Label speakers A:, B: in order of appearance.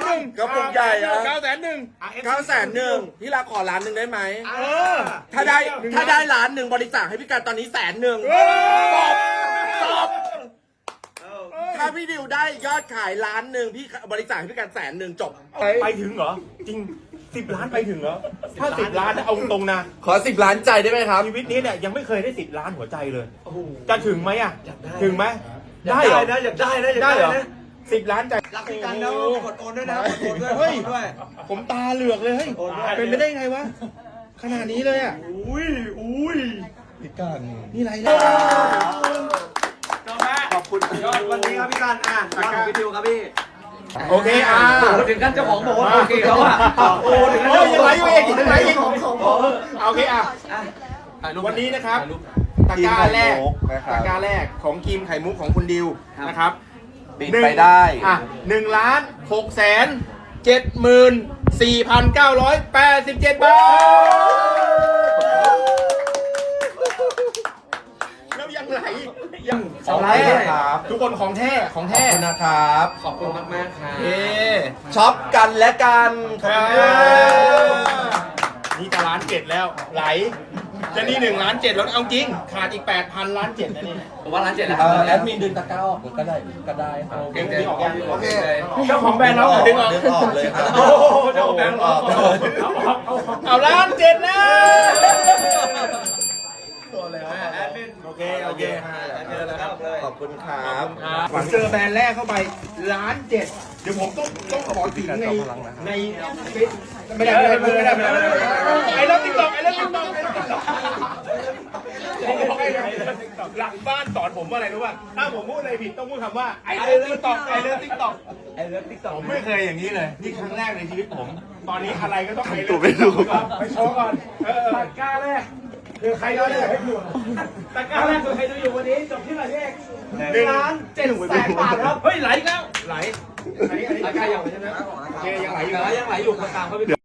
A: 1
B: กระปุกใหญ่อะ
A: 900,000
B: 900,001พี่รักขอ1 ล้านได้ไหม ถ้าได้
A: 1
B: ถ้าได้1 ล้านบริจาคให้พี่การตอนนี้100,000จบถ้าพี่ดิวได้ยอดขาย1 ล้านพี่บริจาคให้พี่การ100,000จบ
A: ไปถึงเหรอ จริง 10 ล้านไปถึงเหรอ ถ้า 10 ล้านนะเอาตรงนะ
B: ขอ10 ล้านใจได้ไหมครับ
A: ชีวิตนี้เนี่ยยังไม่เคยได้10 ล้านหัวใจเลย จะถึงไหมอ่ะ ถึงไหมได้เหรอ
C: อยากได้นะอยาก
A: ได้
C: ได้
A: เหรอ
C: นะ
A: 10 ล้านใจ
C: รักพี่กันนะกดโอนด้วยนะกดโอนด้วย
A: เฮ้ย
C: กดด้วย
A: ผมตาเหลือกเลยเฮ้ย
C: โอนด้วย
A: เป็นไปได้ไงวะ ขนาดนี้เลยอ่ะ
C: อุ้ย
A: นี่ไรล่ะ
B: ขอบคุณ
C: ยอดวันนี้ครับพี่กันยอดของพี่ดิวครับพี่
A: โอเคอ่ะ
C: โอ้ถึงกันเจ้าของบอกว่าโอเคแล้วอ่ะโอ้ถึงกัน
A: โอ้ยยังไหลอยู่อีกยังไหลอีก
C: ของ
A: โอเคอ่ะ วันนี้นะครับตะกร้าแรกตะกร้าแรกของครีมไข่มุกของคุณดิวนะครับ
B: ปิดไปได้
A: อ่ะ1,674,987 บาทแล้วยังไหลยัง
B: ของแท้ครับ
A: ทุกคนของแท้ของ
B: ขอบ
A: แท้
B: คุณนะครับ
C: ขอบคุณมากๆครับ
A: เอ๊ะ
B: ช็อปกันและกันขอบคุณครับ
A: นี่จะ1,700,000แล้วไหลจะนี่1,700,000แล้วเอาจริงขาดอีก8,000 1,700,000นะนี่
C: ผมว่าร้านเจ็ดแล้ว
B: แอดมินดึงตะกร้าออกก็ได้ครับ
A: โอเคดึงออกยัง
B: โอเค
A: เจ้าของแบรนด์เราดึงออก
B: ดึงออกเลยครับ
A: โอ้โหเจ้าของแบรนด์เราเอา1,700,000แล้วโอเคโอเค
B: ขอบคุณครับ
A: ผมเจอแบรนด์แรกเข้าไป1,700,000เดี๋ยวผมต้องขอถึงในไม่ได้ไอ้เรื่องติ๊กต็อกหลังบ้านสอนผมว่าอะไรรู้ป่ะถ้าผมพูดอะไรผิดต้องพูดคำว่าไอ้เรื่องติ๊กต็อกผมไม่เคยอย่างนี้เลยนี่ครั้งแรกในชีวิตผม ตอนนี้อะไรก็ต้องไปเลยไปโชว์ก่อนตะกร้าแรกคือใครดูอยู่ตะกร้าแรกคือใครดูอยู่วันนี้จบที่อะไรพี่เอก1,700,000 บาทครับเฮ้ยไหลแล้วไหลอันนี้ตะกร้ายังใช่ไหมโอเคยังไหลอยู่
C: ยังไหลอยู่ตามเขาไป